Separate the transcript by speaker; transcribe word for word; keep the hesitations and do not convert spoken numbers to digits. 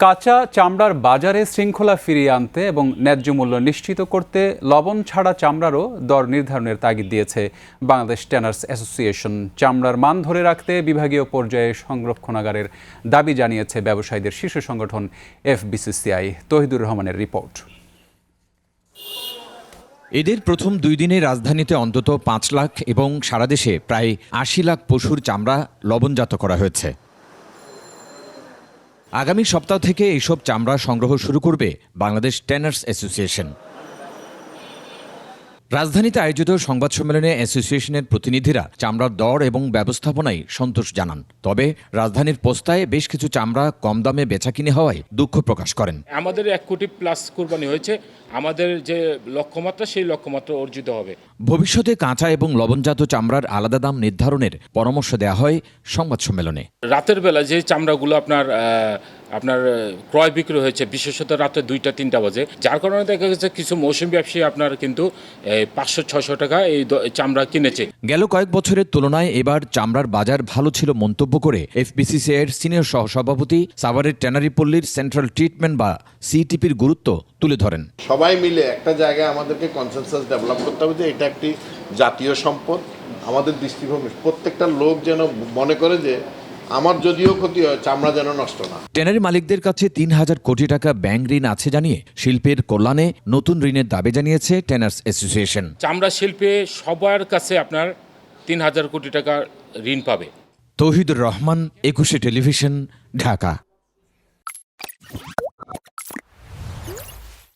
Speaker 1: কাঁচা চামড়ার বাজারে শৃঙ্খলা ফিরিয়ে আনতে এবং ন্যায্য মূল্য নিশ্চিত করতে লবণ ছাড়া চামড়ারও দর নির্ধারণের তাগিদ দিয়েছে বাংলাদেশ ট্যানার্স অ্যাসোসিয়েশন। চামড়ার মান ধরে রাখতে বিভাগীয় পর্যায়ে সংরক্ষণাগারের দাবি জানিয়েছে ব্যবসায়ীদের শীর্ষ সংগঠন এফবিসিসিআই। তহিদুর রহমানের রিপোর্ট।
Speaker 2: ঈদের প্রথম দুই দিনে রাজধানীতে অন্তত পাঁচ লাখ এবং সারা দেশে প্রায় আশি লাখ পশুর চামড়া লবণজাত করা হয়েছে। আগামী সপ্তাহ থেকে এইসব চামড়া সংগ্রহ শুরু করবে বাংলাদেশ ট্যানার্স অ্যাসোসিয়েশন। রাজধানীতে আয়োজিত সংবাদ সম্মেলনে অ্যাসোসিয়েশনের প্রতিনিধিরা চামড়ার দর এবং ব্যবস্থাপনায় সন্তোষ জানান। তবে রাজধানীর পোস্তায় বেশ কিছু চামড়া কম দামে বেচাকিনি হওয়ায় দুঃখ প্রকাশ করেন।
Speaker 3: আমাদের এক কোটি প্লাস কুরবানি হয়েছে, আমাদের যে লক্ষ্যমাত্রা সেই লক্ষ্যমাত্রা অর্জিত হবে।
Speaker 2: ভবিষ্যতে কাঁচা এবং লবণজাত চামড়ার আলাদা দাম নির্ধারণের পরামর্শ দেওয়া হয় সংবাদ সম্মেলনে।
Speaker 3: রাতের বেলা যে চামড়াগুলো আপনার আপনার ক্রয় বিক্রি হয়েছে, বিশেষত রাতে দুইটা তিনটা বাজে, যার কারণে দেখা গেছে কিছু মৌসুমী ব্যবসায়ী আপনার কিন্তু পাঁচশো ছয়শো টাকা এই চামড়া কিনেছে।
Speaker 2: গেল কয়েক বছরের তুলনায় এবার চামড়ার বাজার ভালো ছিল মন্তব্য করে এফবিসিসিআই এর সিনিয়র সহসভাপতি সাভারের ট্যানারি পল্লীর সেন্ট্রাল ট্রিটমেন্ট বা সিটিপির গুরুত্ব তুলে ধরেন।
Speaker 4: সবাই মিলে একটা জায়গায় আমাদেরকে কনসেনসাস ডেভেলপ করতে হবে যে এটা একটি জাতীয় সম্পদ। আমাদের দৃষ্টিভঙ্গি প্রত্যেকটা লোক যেন মনে করে যে আমার যদিও ক্ষতি হয়, চামড়া যেন নষ্ট না।
Speaker 2: ট্যানারি মালিকদের কাছে তিন হাজার কোটি টাকা ব্যাংক ঋণ আছে জানিয়ে শিল্পের কল্যাণে নতুন ঋণের দাবি জানিয়েছে ট্যানার্স অ্যাসোসিয়েশন।
Speaker 3: চামড়া শিল্পে সবার কাছে আপনার তিন হাজার কোটি টাকা ঋণ পাবে।
Speaker 2: তৌহিদুর রহমান, একুশে টেলিভিশন, ঢাকা।